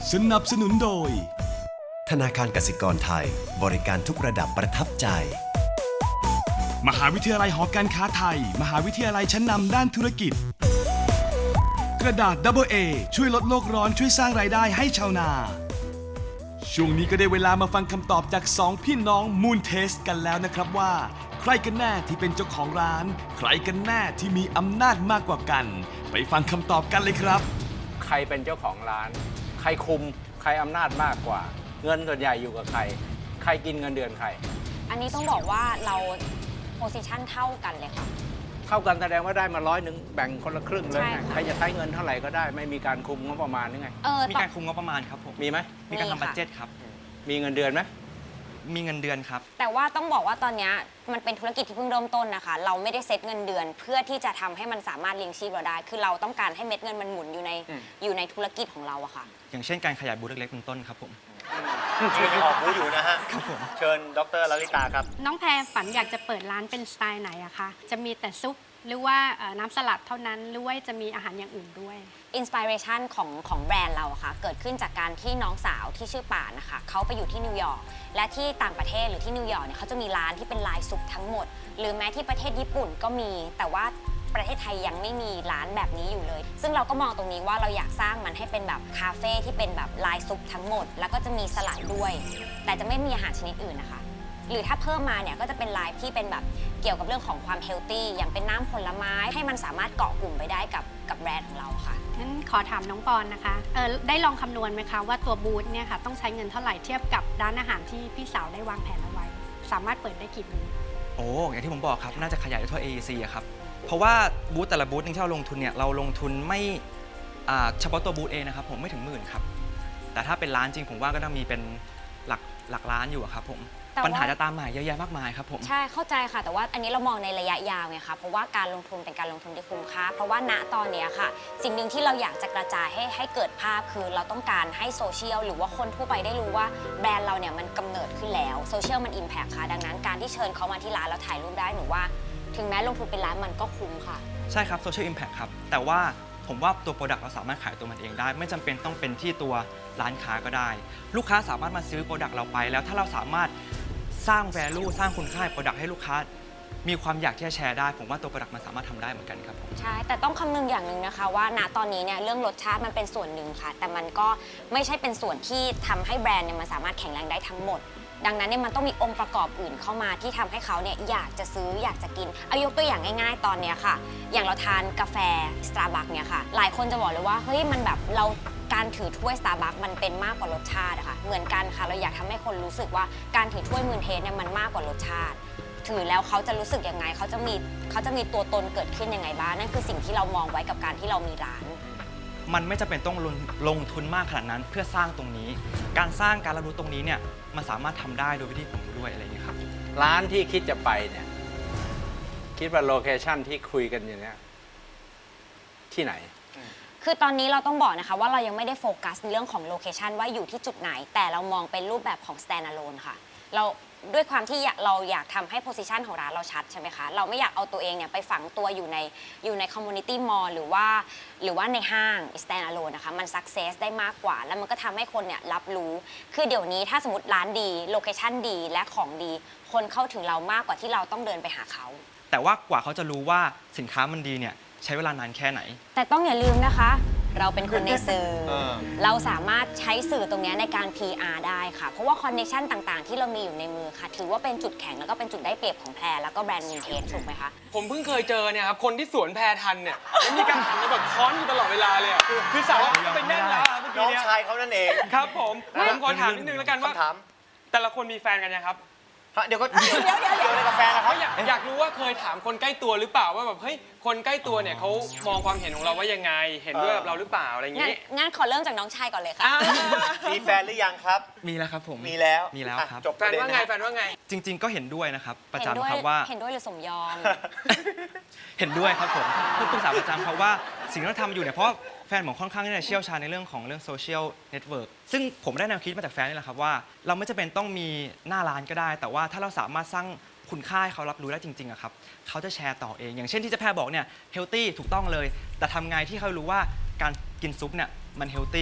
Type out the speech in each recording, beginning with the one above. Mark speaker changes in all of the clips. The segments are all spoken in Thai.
Speaker 1: สนับสนุนโดย
Speaker 2: ธนาคารกสิกรไทยบริการทุกระดับประทับใจ
Speaker 1: มหาวิทยาลัยหอการค้าไทยมหาวิทยาลัยชั้นนำด้านธุรกิจกระดาษ AA ช่วยลดโลกร้อนช่วยสร้างรายได้ให้ชาวนาช่วงนี้ก็ได้เวลามาฟังคำตอบจาก2พี่น้องมูนเทสกันแล้วนะครับว่าใครกันแน่ที่เป็นเจ้าของร้านใครกันแน่ที่มีอำนาจมากกว่ากันไปฟังคำตอบกันเลยครับ
Speaker 3: ใครเป็นเจ้าของร้านใครคุมใครอำนาจมากกว่าเงินส่วนใหญ่อยู่กับใครใครกินเงินเดือนใคร
Speaker 4: อันนี้ต้องบอกว่าเราโพสิชันเท่ากันเลยค่ะ
Speaker 3: เท่ากันแสดงว่าได้มา100แบ่งคนละครึ่งเลย
Speaker 4: ใช่ค่ะ
Speaker 3: ใครจะใช้เงินเท่าไหร่ก็ได้ไม่มีการคุมงบประมาณนี่ไง
Speaker 5: มีการคุมงบประมาณครับผม
Speaker 3: มีไหม
Speaker 5: มีการทำบัดเจ็ตครับ
Speaker 3: มีเงินเดือนไหม
Speaker 5: มีเงินเดือนครับ
Speaker 4: แต่ว่าต้องบอกว่าตอนนี้มันเป็นธุรกิจที่เพิ่งเริ่มต้นนะคะเราไม่ได้เซ็ตเงินเดือน เพื่อที่จะทำให้มันสามารถเลี้ยงชีพเราได้คือเราต้องการให้เม็ดเงินมันหมุนอยู่ในธุรกิจของเราอะค่ะ
Speaker 5: อย่างเช่นการขยายบูธเล็กๆเป็นต้นครับผม
Speaker 6: ยังออกบูธอยู่นะฮะ
Speaker 5: ครับผม
Speaker 6: เชิญดรลลิตาครับ
Speaker 7: น้องแพรฝันอยากจะเปิดร้านเป็นสไตล์ไหนอะคะจะมีแต่ซุปหรือว่าน้ำสลัดเท่านั้นหรือว่าจะมีอาหารอย่างอื่นด้วย
Speaker 4: อินสปิเรชันของแบรนด์เราอะค่ะเกิดขึ้นจากการที่น้องสาวที่ชื่อป่านนะคะเขาไปอยู่ที่นิวยอร์กและที่ต่างประเทศหรือที่นิวยอร์กเนี่ยเขาจะมีร้านที่เป็นลายซุปทั้งหมดหรือแม้ที่ประเทศญี่ปุ่นก็มีแต่ว่าประเทศไทยยังไม่มีร้านแบบนี้อยู่เลยซึ่งเราก็มองตรงนี้ว่าเราอยากสร้างมันให้เป็นแบบคาเฟ่ที่เป็นแบบลายซุปทั้งหมดแล้วก็จะมีสลัดด้วยแต่จะไม่มีอาหารชนิดอื่นนะคะหรือถ้าเพิ่มมาเนี่ยก็จะเป็นไลฟ์ที่เป็นแบบเกี่ยวกับเรื่องของความเฮลตี้อย่างเป็นน้ำผลไม้ให้มันสามารถเกาะกลุ่มไปได้กับแบรนด์ของเราค่ะ
Speaker 7: งั้นขอถามน้องปอนนะคะได้ลองคำนวณไหมคะว่าตัวบูธเนี่ยค่ะต้องใช้เงินเท่าไหร่เทียบกับร้านอาหารที่พี่สาวได้วางแผนเอาไว้สามารถเปิดได้กี่บูธ
Speaker 5: โอ้อย่างที่ผมบอกครับน่าจะขยายได้ทั่ว AEC อะครับเพราะว่าบูธแต่ละบูธนึงที่เราลงทุนเนี่ยเราลงทุนไม่เฉพาะตัวบูธเองนะครับผมไม่ถึงหมื่นครับแต่ถ้าเป็นร้านจริงผมว่าก็ต้องมีเป็นหลักล้านอยู่ครับผมปัญหาจะตามมาเยอะแยะมากมายครับผม
Speaker 4: ใช่เข้าใจค่ะแต่ว่าอันนี้เรามองในระยะยาวไงคะเพราะว่าการลงทุนเป็นการลงทุนที่คุ้มค่าเพราะว่าณตอนนี้ค่ะสิ่งหนึ่งที่เราอยากจะกระจายให้เกิดภาพคือเราต้องการให้โซเชียลหรือว่าคนทั่วไปได้รู้ว่าแบรนด์เราเนี่ยมันกำเนิดขึ้นแล้วโซเชียลมันอิมแพคค่ะดังนั้นการที่เชิญเขามาที่ร้านแล้วถ่ายรูปได้หนูว่าถึงแม้ลงทุนเป็นล้านมันก็คุ้มค่ะ
Speaker 5: ใช่ครับโซเชียลอิมแพคครับแต่ว่าผมว่าตัวโปรดักต์เราสามารถขายตัวมันเองได้ไม่จำเป็นต้องเป็นที่ตัวร้านค้าก็ได้ลูกค้าสามารถมาซื้อโปรดักต์เราไปแล้วถ้าเราสามารถสร้าง value สร้างคุณค่าโปรดักต์ให้ลูกค้ามีความอยากที่จะแชร์ได้ผมว่าตัวโปรดักต์มันสามารถทำได้เหมือนกันครับผม
Speaker 4: ใช่แต่ต้องคำนึงอย่างหนึ่งนะคะว่าณตอนนี้เนี่ยเรื่องรสชาติมันเป็นส่วนหนึ่งค่ะแต่มันก็ไม่ใช่เป็นส่วนที่ทำให้แบรนด์เนี่ยมันสามารถแข็งแรงได้ทั้งหมดดังนั้นเนี่ยมันต้องมีองค์ประกอบอื่นเข้ามาที่ทำให้เขาเนี่ยอยากจะซื้ออยากจะกินเอายกตัวอย่างง่ายๆตอนเนี้ยค่ะอย่างเราทานกาแฟ Starbucks เนี่ยค่ะหลายคนจะบอกเลยว่าเฮ้ยมันแบบเราการถือถ้วย Starbucks มันเป็นมากกว่ารสชาติอะค่ะเหมือนกันค่ะเราอยากทำให้คนรู้สึกว่าการถือถ้วยมูนเทสเนี่ยมันมากกว่ารสชาติถือแล้วเขาจะรู้สึกยังไงเขาจะมีตัวตนเกิดขึ้นยังไงบ้างนั่นคือสิ่งที่เรามองไว้กับการที่เรามีร้าน
Speaker 5: มันไม่จำเป็นต้องลงทุนมากขนาดนั้นเพื่อสร้างตรงนี้การสร้างการรับรู้ตรงนี้เนี่ยมันสามารถทำได้โดยวิธีผมด้วยอะไรอย่างนี้ครับ
Speaker 3: ร้านที่คิดจะไปเนี่ยคิดว่าโลเคชั่นที่คุยกันอย่างนี้ที่ไหน
Speaker 4: คือตอนนี้เราต้องบอกนะคะว่าเรายังไม่ได้โฟกัสในเรื่องของโลเคชันว่าอยู่ที่จุดไหนแต่เรามองเป็นรูปแบบของ stand alone ค่ะเราด้วยความที่เราอยากทำให้ position ของร้านเราชัดใช่ไหมคะเราไม่อยากเอาตัวเองเนี่ยไปฝังตัวอยู่ใน community mall หรือว่าในห้าง stand alone นะคะมัน success ได้มากกว่าแล้วมันก็ทำให้คนเนี่ยรับรู้คือเดี๋ยวนี้ถ้าสมมติร้านดีโลเคชันดีและของดีคนเข้าถึงเรามากกว่าที่เราต้องเดินไปหาเขา
Speaker 5: แต่ว่ากว่าเขาจะรู้ว่าสินค้ามันดีเนี่ยใช้เวลานานแค่ไหน
Speaker 4: แต่ต้องอย่าลืมนะคะเราเป็นคนในสื่อ เราสามารถใช้สื่อตรงนี้ในการ PR ได้ค่ะเพราะว่าคอนเนคชั่นต่างๆที่เรามีอยู่ในมือค่ะถือว่าเป็นจุดแข็งแล้วก็เป็นจุดได้เปรียบของแพรแล้วก็แบรนด์มินเทสถูกไหมคะ
Speaker 8: ผมเพิ่งเคยเจอเนี่ยครับคนที่สวนแพรทันเนี่ยมีการหันมาแบบค้อนอยู่ตลอดเวลาเลยคือสาวไปแน่นแล้วเมื่อกี้
Speaker 6: น้องชายเขานั่นเอง
Speaker 8: ครับผมขอถามนิดนึงแล้วกันว่าแต่ละคนมีแฟนกันยังครับ
Speaker 6: เดี๋ยวอะไรกับแฟนนะครับ
Speaker 8: อยากรู้ว่าเคยถามคนใกล้ตัวหรือเปล่าว่าแบบเฮ้ยคนใกล้ตัวเนี่ยเขามองความเห็นของเราว่ายังไงเห็นด้วยกับเราหรือเปล่าอะไรอย่างนี้
Speaker 4: งั้นขอเริ่มจากน้องชายก่อนเลยค่ะ
Speaker 6: มีแฟนหรือยังครับ
Speaker 5: มีแล้วครับผม
Speaker 6: มีแล้ว
Speaker 5: ครับ
Speaker 6: จบ
Speaker 8: แฟนว่าไง
Speaker 5: จริงๆก็เห็นด้วยนะครับประจำครับว่า
Speaker 4: เห็นด้วยหรือสมยอม
Speaker 5: เห็นด้วยครับผมปรึกษาประจำครับว่าสิ่งที่เราทำอยู่เนี่ยเพราะแฟนผมค่อนข้างที่จะเชี่ยวชาญในเรื่องโซเชียลเน็ตเวิร์กซึ่งผมได้แนวคิดมาจากแฟนนี่แหละครับว่าเราไม่จำเป็นต้องมีหน้าร้านก็ได้แต่ว่าถ้าเราสามารถสร้างคุณค่าให้เขารับรู้ได้จริงๆอะครับเขาจะแชร์ต่อเองอย่างเช่นที่เจ๊แพรบอกเนี่ยเฮลตี้ถูกต้องเลยแต่ทำไงที่เขารู้ว่าการกินซุปเนี่ยมันเฮลตี้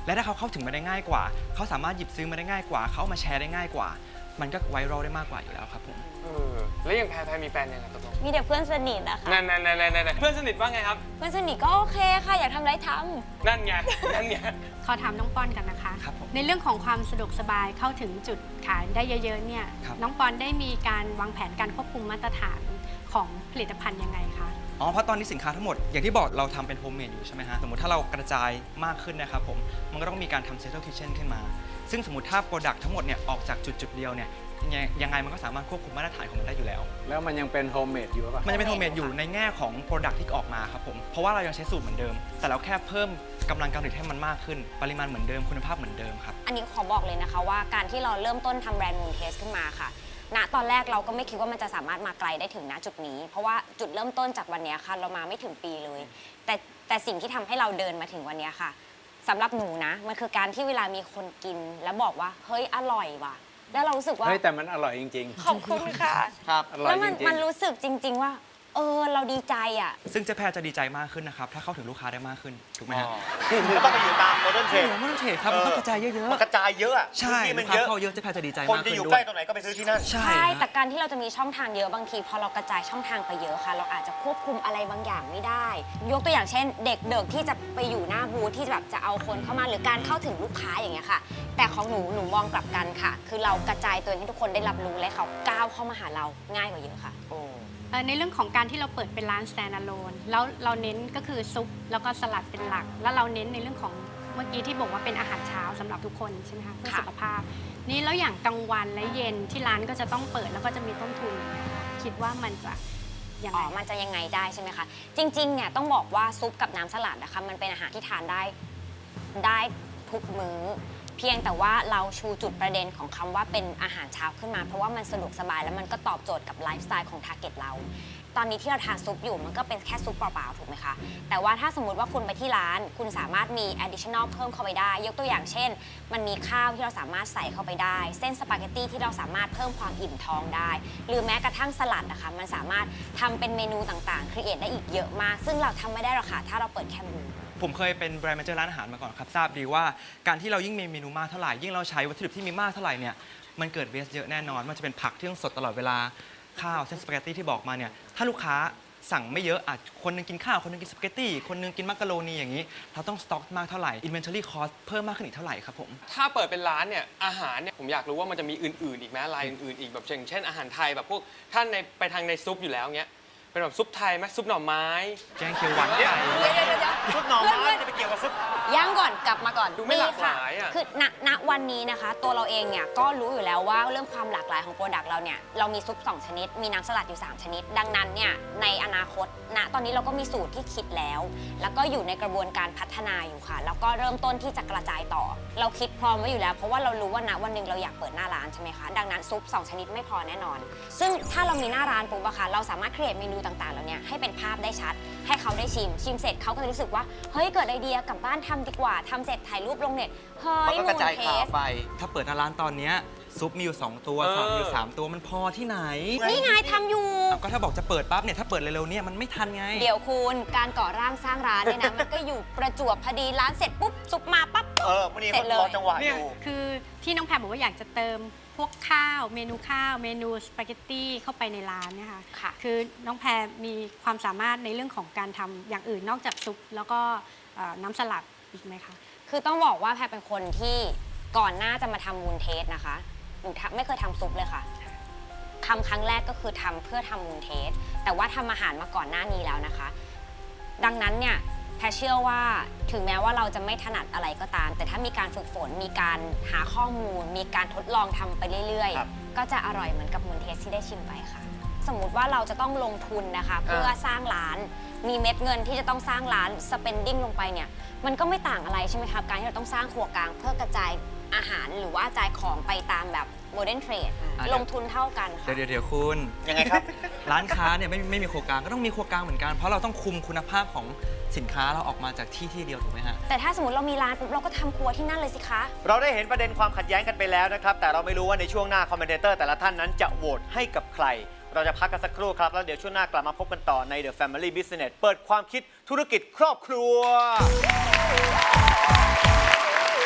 Speaker 5: และถ้าเขาเข้าถึงมาได้ง่ายกว่า เขาสามารถหยิบซื้อมาได้ง่ายกว่า เขาเอามาแชร์ได้ง่ายกว่า มันก็ไวรัลได้มากกว่าอยู่แล้วครับผม
Speaker 8: แล้วอย่างแพรมีแฟนยังไงตกลง
Speaker 4: มีแต่เพื่อนสนิทอะค่ะ
Speaker 8: นั่นเพื่อนสนิทว่าไงครับ
Speaker 4: เพื่อนสนิทก็โอเคค่ะ อยากทำอะไรทำ
Speaker 8: นั่นไง
Speaker 7: ขอถามน้องปอนกันนะคะ
Speaker 5: ครับผม
Speaker 7: ในเรื่องของความสะดวกสบายเข้าถึงจุดขายได้เยอะๆเนี่ย
Speaker 5: ครับ
Speaker 7: น้องปอนได้มีการวางแผนการควบคุมมาตรฐานของผลิตภัณฑ์ยังไงคะ
Speaker 5: อ๋อ เพราะตอนนี้สินค้าทั้งหมด อย่างที่บอกเราทำเป็นโฮมเมดอยู่ใช่ไหมฮะ สมมติถ้าเรากระจายมากขึ้นนะครับผม มันก็ต้องมีการทำเซ็นทรัลคิทเช่นขึ้นมา ซึ่งสมมติถ้าโปรดักต์ทั้งหมดเนี่ยออกจากจุดเดียวเนี่ยยังไงมันก็สามารถควบคุมมาตรฐานของมันได้อยู่แล้ว
Speaker 3: แล้วมันยังเป็นโฮมเมดอยู่ป่ะ
Speaker 5: มันจะเป็นโฮมเมดอยู่ในแง่ของโปรดักต์ที่ออกมาครับผม เพราะว่าเรายังใช้สูตรเหมือนเดิม แต่เราแค่เพิ่มกำลังการผลิตให้มันมากขึ้น ปริมาณเหมือนเดิม คุณภาพเหมือนเดิมครับ
Speaker 4: อันนี้ขอบอกเลยนะคะว่าการที่เราเริ่มต้นทำแบรนด์มูนเทสขึ้นมาค่ะ ณ ตอนแรกเราก็ไม่คิดว่ามันจะสามารถมาไกลได้ถึงณจุดนี้ เพราะว่าจุดเริ่มต้นจากวันนี้ค่ะเรามาไม่ถึงปีเลย แต่สิ่งที่ทำให้เราเดินมาถึงวันนี้ค่ะสำหรับหนูนะ มันคือการที่เวลามีคนกินแล้วบอกว่าเฮ้ยอร่อยว่ะ แล้วเรารู้สึกว่า
Speaker 3: เฮ้ยแต่มันอร่อยจริง
Speaker 4: ขอบคุณค่ะ
Speaker 3: ครับอร่อย
Speaker 4: แล้ว
Speaker 3: จริงๆ
Speaker 4: มันรู้สึกจริง ๆ ว่า เราดีใจอ่ะ
Speaker 5: ซึ่งเจ๊แพรจะดีใจมากขึ้นนะครับ ถ้าเข้าถึงลูกค้าได้มากขึ้น ถูกไหมฮะ
Speaker 6: ก็ต้องไปอยู่ตามโมเดิร์นเทร
Speaker 5: โอ้
Speaker 6: ด
Speaker 5: โหไม่ต้องเทรดครับ มันต้องกระจายเยอะ
Speaker 6: มันกระจายเยอะอะ
Speaker 5: ๆ ใช่
Speaker 6: ที่
Speaker 5: ลู
Speaker 6: มั
Speaker 5: ก
Speaker 6: น
Speaker 5: ค้า
Speaker 6: เยอะ
Speaker 5: เข้าเยอะเจ๊แพรจะดีใจ
Speaker 6: คน
Speaker 5: มาก
Speaker 6: จะ
Speaker 5: ขึ้น
Speaker 6: อยู่
Speaker 5: ด้
Speaker 6: ใก
Speaker 5: ว
Speaker 6: ล้
Speaker 5: ย
Speaker 6: ตรงไหนก็ไปซื้อที่นั่น
Speaker 5: ใช่
Speaker 4: ใช่
Speaker 5: ฮะ
Speaker 4: แต่การที่เราจะมีช่องทางเยอะบางทีพอเรากระจายช่องทางไปเยอะค่ะ เราอาจจะควบคุมอะไรบางอย่างไม่ได้ ยกตัวอย่างเช่น เด็กเดิกที่จะไปอยู่หน้าบูธที่แบบจะเอาคนเข้ามาหรือการเข้าถึงลูกค้าอย่างเงี้ยค่ะ แต่ของหนูมองกลับกันค่ะ คือเรากระจายตัวเองให้ทุกคนได้รับรู้และเขาก้าวเข้ามาหาเราง่ายกว่าเยอะค่ะ
Speaker 7: ในเรื่องของการที่เราเปิดเป็นร้าน standalone แล้วเราเน้นก็คือซุปแล้วก็สลัดเป็นหลัก แล้วเราเน้นในเรื่องของเมื่อกี้ที่บอกว่าเป็นอาหารเช้าสำหรับทุกคนใช่ไหมคะเพื่อ
Speaker 4: ค่ะ
Speaker 7: สุขภาพ นี่แล้วอย่างกลางวันและเย็นที่ร้านก็จะต้องเปิดแล้วก็จะมีต้นทุนอย่างเงี้ยค่ะคิดว่ามันจะยังไง
Speaker 4: มันจะยังไงได้ใช่ไหมคะ จริงๆ เนี่ยต้องบอกว่าซุปกับน้ำสลัดนะคะมันเป็นอาหารที่ทานได้ทุกมื้อ เพียงแต่ว่าเราชูจุดประเด็นของคำว่าเป็นอาหารเช้าขึ้นมา เพราะว่ามันสะดวกสบายแล้วมันก็ตอบโจทย์กับไลฟ์สไตล์ของทาร์เก็ตเรา ตอนนี้ที่เราทานซุปอยู่มันก็เป็นแค่ซุปเปล่าๆถูกไหมคะ แต่ว่าถ้าสมมติว่าคุณไปที่ร้าน คุณสามารถมี additional เพิ่มเข้าไปได้ ยกตัวอย่างเช่น มันมีข้าวที่เราสามารถใส่เข้าไปได้ เส้นสปาเกตตี้ที่เราสามารถเพิ่มความอิ่มท้องได้ หรือแม้กระทั่งสลัดนะคะมันสามารถทำเป็นเมนูต่างๆ ครีเอทได้อีกเยอะมาก ซึ่งเราทำไม่ได้หรอกค่ะถ้าเราเปิดแค่บูธ
Speaker 5: ผมเคยเป็นแบรนด์แมเนเจอร์ร้านอาหารมาก่อนครับ ทราบดีว่าการที่เรายิ่งมีเมนูมากเท่าไหร่ ยิ่งเราใช้วัตถุดิบที่มีมากเท่าไหร่เนี่ย มันเกิดเวสเยอะแน่นอน มันจะเป็นผักที่ต้องสดตลอดเวลา ข้าวเส้นสปาเกตตี้ที่บอกมาเนี่ย ถ้าลูกค้าสั่งไม่เยอะอาจคนหนึงกินข้าว คนหนึงกินสปาเกตตี้ คนหนึงกินมักกะโรนีอย่างนี้ เราต้องสต็อกมากเท่าไหร่ inventory cost เพิ่มมากขึ้นอีกเท่าไหร่ครับผม
Speaker 8: ถ้าเปิดเป็นร้านเนี่ยอาหารเนี่ยผมอยากรู้ว่ามันจะมีอื่นๆอีกไหมรายอื่นๆอีกแบบเช่นอาหารไทยแบบพวกท่านไปทางในซุปอยู่แล้วเงี้ยเป็นแบบซุปไทยไหมซุปหน่อไม้
Speaker 5: แกงเขียวหวานไก่
Speaker 6: ชุดหน่อไม้จะไปเกี่ยวกับซุป
Speaker 4: ย่างก่อนกลับมาก่อน
Speaker 8: ดูไม่หลากห
Speaker 4: ค่ะ
Speaker 8: ลายอะ
Speaker 4: คือณวันนี้นะคะ ตัวเราเองเนี่ยก็รู้อยู่แล้วว่าเรื่องความหลากหลายของโปรดักต์เราเนี่ยเรามีซุป2ชนิด มีน้ำสลัดอยู่3ชนิด ดังนั้นเนี่ยในอนาคตตอนนี้เราก็มีสูตรที่คิดแล้ว แล้วก็อยู่ในกระบวนการพัฒนาอยู่ค่ะ แล้วก็เริ่มต้นที่จะกระจายต่อ เราคิดพร้อมไว้อยู่แล้ว เพราะว่าเรารู้ว่าณวันหนึ่งเราอยากเปิดหน้าร้านใช่ไหมคะดังนั้นซุป2ชนิดไม่พอแน่นอน ซึ่งถ้าเรามีหน้าร้านปุ๊บอะค่ะเราสามารถครีเอทเมนูต่างๆเหล่านี้ให้เป็นภาพได้ชัด ให้เขาได้ชิมเสร็จเขาก็จะรู้สึกว่าเฮ้ยเกิดไอเดียกลับบ้านทำดีกว่าทำเสร็จถ่ายรูปลงเน็ตเฮ้ย
Speaker 6: มันก็กระจายข่าวไป
Speaker 5: ถ้าเปิดหน้าร้านตอนเนี้ยซุปมีอยู่2ตัวสลัดมีอยู่3ตัวมันพอที่ไหน
Speaker 4: นี่ไงทำอยู่
Speaker 5: ก็ถ้าบอกจะเปิดปั๊บเนี่ยถ้าเปิดเร็วๆเนี่ยมันไม่ทันไง
Speaker 4: เดี๋ยวคุณการก่อร่างสร้างร้านเนี่ยนะ มันก็อยู่ประจวบพอดีร้านเสร็จปุ๊บซุปมาปั๊บ
Speaker 6: มันนี่
Speaker 4: เสร็
Speaker 6: มัน
Speaker 4: จเลย
Speaker 6: รอจังหวะอยู่
Speaker 7: คือที่น้องแพรบอกว่าอยากจะเติมพวกข้าวเมนูข้าวเมนูสปาเกตตี้เข้าไปในร้านเนี่ยค่ะ
Speaker 4: ค่ะ
Speaker 7: คือน้องแพรมีความสามารถในเรื่องของการทำอย่างอื่นนอกจากซุปแล้วก็น้ำสลัดอีกไหมคะ
Speaker 4: คือต้องบอกว่าแพรเป็นคนที่ก่อนหน้าจะมาทำมูนเทสนะคะหนูไม่เคยทำซุปเลยค่ะทำครั้งแรกก็คือทำเพื่อทำมูนเทสแต่ว่าทำอาหารมาก่อนหน้านี้แล้วนะคะ ดังนั้นเนี่ยแพรเชื่อว่าถึงแม้ว่าเราจะไม่ถนัดอะไรก็ตาม แต่ถ้ามีการฝึกฝนมีการหาข้อมูล มีการทดลองทำไปเรื่อย
Speaker 6: ครับ
Speaker 4: ๆ ก็จะอร่อยเหมือนกับมูนเทสที่ได้ชิมไปค่ะ สมมุติว่าเราจะต้องลงทุนนะคะเพื่อสร้างร้าน มีเม็ดเงินที่จะต้องสร้างร้าน spending ลงไปเนี่ยมันก็ไม่ต่างอะไรใช่ไหมครับการที่เราต้องสร้างครัวกลางเพื่อกระจายอาหารหรือว่าจ่ายของไปตามแบบโมเดิร์นเทรดลงทุนเท่ากันค่ะ
Speaker 5: เดี๋ยวคุณ
Speaker 6: ยังไงครับ
Speaker 5: ร้านค้าเนี่ยไม่มีครัวกลางก็ต้องมีครัวกลางเหมือนกัน เพราะเราต้องคุมคุณภาพของสินค้าเราออกมาจากที่เดียวถูกไหมฮะ
Speaker 4: แต่ถ้าสมมติเรามีร้านปุ๊บเราก็ทำครัวที่นั่นเลยสิคะ
Speaker 6: เราได้เห็นประเด็นความขัดแย้งกันไปแล้วนะครับ แต่เราไม่รู้ว่าในช่วงหน้าคอมเมนเตอร์แต่ละท่านนั้นจะโหวตให้กับใคร เราจะพักกันสักครู่ครับ แล้วเดี๋ยวช่วงหน้ากลับมาพบกันต่อใน The Family Business เปิดความคิดธุรกิจครอบครัว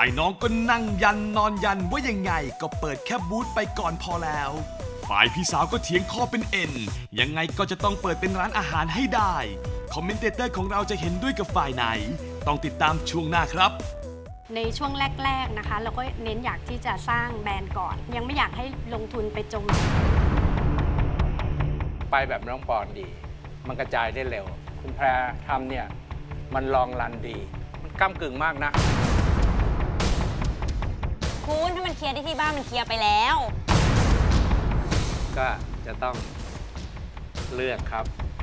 Speaker 1: ายน้องก็นั่งยันนอนยันว่ายังไงก็เปิดแค่บูธไปก่อนพอแล้ว ฝ่ายพี่สาวก็เถียงข้อเป็นเอ็นยังไงก็จะต้องเปิดเป็นร้านอาหารให้ได้ คอมเมนเตเตอร์ของเราจะเห็นด้วยกับฝ่ายไหน ต้องติดตามช่วงหน้าครับ
Speaker 7: ในช่วงแรกๆนะคะ เราก็เน้นอยากที่จะสร้างแบรนด์ก่อน ยังไม่อยากให้ลงทุนไปจม
Speaker 3: ไปแบบน้องปอนดี มันกระจายได้เร็ว คุณแพรทำเนี่ย มันลองรันดี มันก้ากึ่งมากนะ
Speaker 4: คุณถ้ามันเคลียร์ที่บ้านมันเคลียร์ไปแล้ว
Speaker 3: ก็จะต้องเลือกครับ